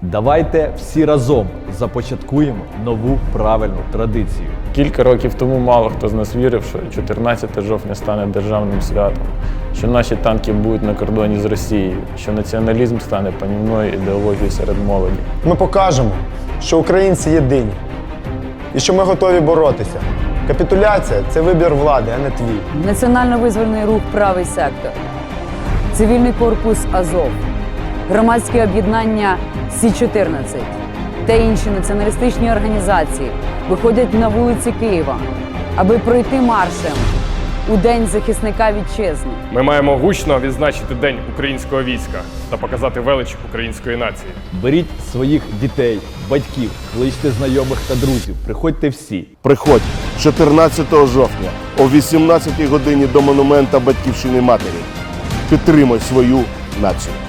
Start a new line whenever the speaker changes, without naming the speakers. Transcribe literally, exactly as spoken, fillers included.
Давайте всі разом започаткуємо нову правильну традицію.
Кілька років тому мало хто з нас вірив, що чотирнадцяте жовтня стане державним святом, що наші танки будуть на кордоні з Росією, що націоналізм стане панівною ідеологією серед молоді.
Ми покажемо, що українці єдині і що ми готові боротися. Капітуляція – це вибір влади, а не твій.
Національно-визвольний рух «Правий сектор», цивільний корпус «Азов», громадське об'єднання Сі чотирнадцять та інші націоналістичні організації виходять на вулиці Києва, аби пройти маршем у День захисника вітчизни.
Ми маємо гучно відзначити День українського війська та показати велич української нації.
Беріть своїх дітей, батьків, кличте знайомих та друзів. Приходьте всі.
Приходь чотирнадцятого жовтня о вісімнадцятій годині до монумента Батьківщини Матері. Підтримай свою націю.